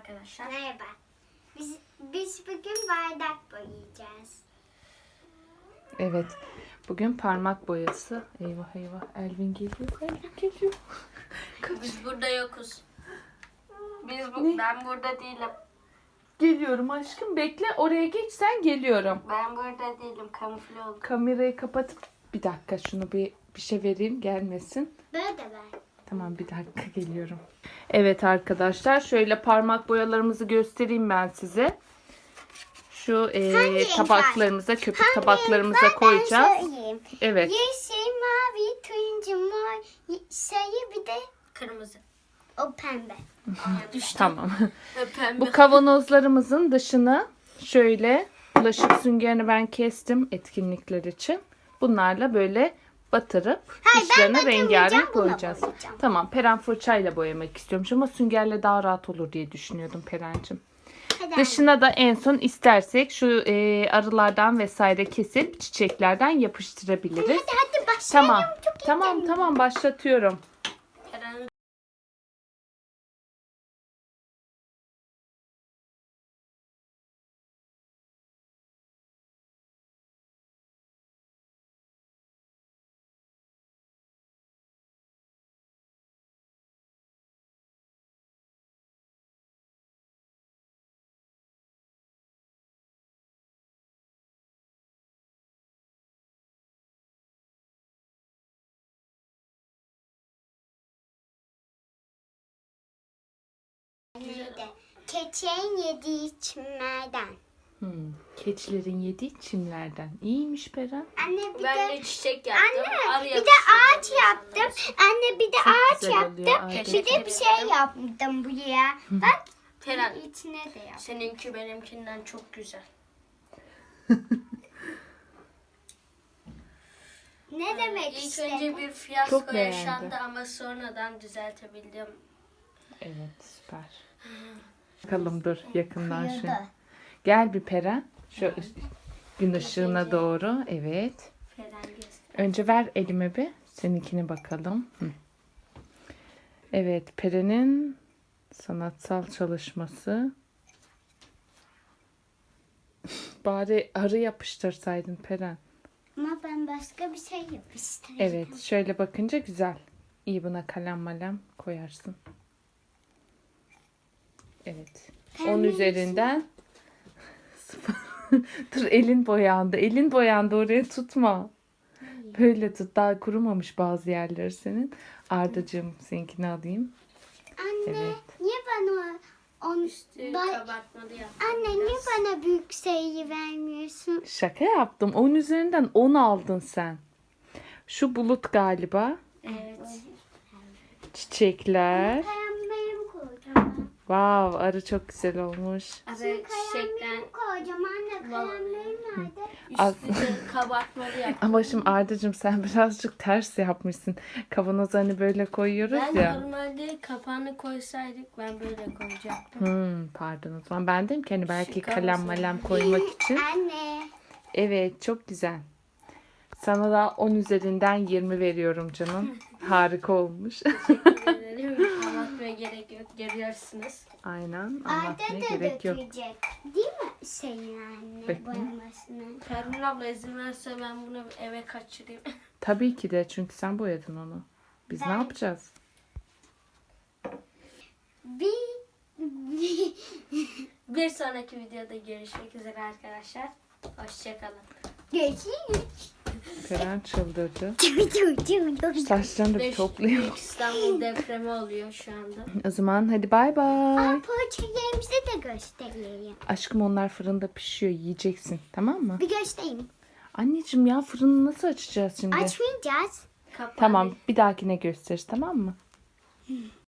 arkadaşlar. Merhaba. Biz bugün bardak boyayacağız. Evet. Bugün parmak boyası. Eyvah eyvah. Elvin geliyor. Elvin geliyor. Biz burada yokuz. Ne? Ben burada değilim. Geliyorum aşkım. Bekle. Oraya geç sen, geliyorum. Ben burada değilim. Kamufle oldum. Kamerayı kapatıp bir dakika şunu bir şey vereyim, gelmesin. Böyle de ver. Tamam, bir dakika geliyorum. Evet arkadaşlar, şöyle parmak boyalarımızı göstereyim ben size. Şu renk tabaklarımıza, köpük tabaklarımıza koyacağız. Ben söyleyeyim. Evet. Yeşil, mavi, turuncu, mor, sarı bir de Kırmızı. o pembe. Tamam. Pembe. Bu kavanozlarımızın dışını şöyle bulaşık süngerini ben kestim etkinlikler için. Bunlarla böyle batırıp Hayır, ben dışlarına batırmayacağım, rengarenk buna boyayacağız. boyayacağım. Tamam, Peren fırçayla boyamak istiyormuş ama süngerle daha rahat olur diye düşünüyordum Peren'cim. Hadi Dışına da en son istersek şu arılardan vesaire kesip çiçeklerden yapıştırabiliriz. hadi başlayalım. Tamam. Çok Tamam başlatıyorum. Eren- Neydi? Keçeğin yediği çimlerden. Keçilerin yediği çimlerden. İyiymiş Peren. Anne bir Ben de de çiçek yaptım. Arı bir de ağaç yaptım. Anne bir de ağaç güzel yaptım. oluyor, ağaç. Bir de bir şey yaptım buraya. Bak Peren, içine de yaptım. seninki benimkinden çok güzel. Ne demek İlk istedin? önce bir fiyasko Çok beğendi. yaşandı ama sonradan düzeltebildim. Evet, süper. Bakalım, dur yakından şu. Kıyıda. Gel bir Peren. Şu gün ışığına doğru. Evet. Peren göster. Önce ver elime bir. Seninkine bakalım. Evet, Peren'in sanatsal çalışması. Bari arı yapıştırsaydın Peren. Ama ben başka bir şey yapıştırdım. Evet, şöyle bakınca güzel. İyi, buna kalem malem koyarsın. Evet. 10 üzerinden. Dur, elin boyandı. Elin boyandı, oraya tutma. Böyle tut. Daha kurumamış bazı yerleri senin. Ardacığım, seninkini alayım. Anne Evet. niye bana Üstü Ben- kabartmalı yaptım. Anne niye bana büyük sayıyı vermiyorsun? Şaka yaptım. 10 üzerinden 10 aldın sen. Şu bulut galiba. Evet. Çiçekler. Kalemlerimi koyacağım. Wow, arı çok güzel olmuş. Arı Kalemlerimi çiçekten koyacağım anne. Kalemlerim nerede? üstü kabartmalı yaptım. Ama şimdi Ardacığım, sen birazcık ters yapmışsın. Kavanozu hani böyle koyuyoruz Ben ya. normalde kapağını koysaydık ben böyle koyacaktım. Pardon, o zaman ben dedim ki hani belki Şık kalem olmasın. malem koymak için. Anne. Evet, çok güzel. Sana da 10 üzerinden 20 veriyorum canım. Harika olmuş. Teşekkür ederim. Anlatmaya gerek yok. Görüyorsunuz. Aynen, Arda anlatmaya da gerek yok. dökülecek. Değil mi şeyin anne Bakayım. boyamasını? Pervin abla izin verirse ben bunu eve kaçırayım. Tabii ki de, çünkü sen boyadın onu. Biz ne Ben- yapacağız? Bir sonraki videoda görüşmek üzere arkadaşlar. Hoşçakalın. Görüşürüz. Peren çıldırdı. Aa, Saçlarını da topluyor. Büyük İstanbul depremi oluyor şu anda. O zaman hadi bay bay. poğaçalarımızı da göstereyim. Aşkım, onlar fırında pişiyor, yiyeceksin, tamam mı? Bir göstereyim. Anneciğim ya, fırını nasıl açacağız şimdi? Açmayacağız. Kapağı Tamam, bir dahakine gösteririz, tamam mı?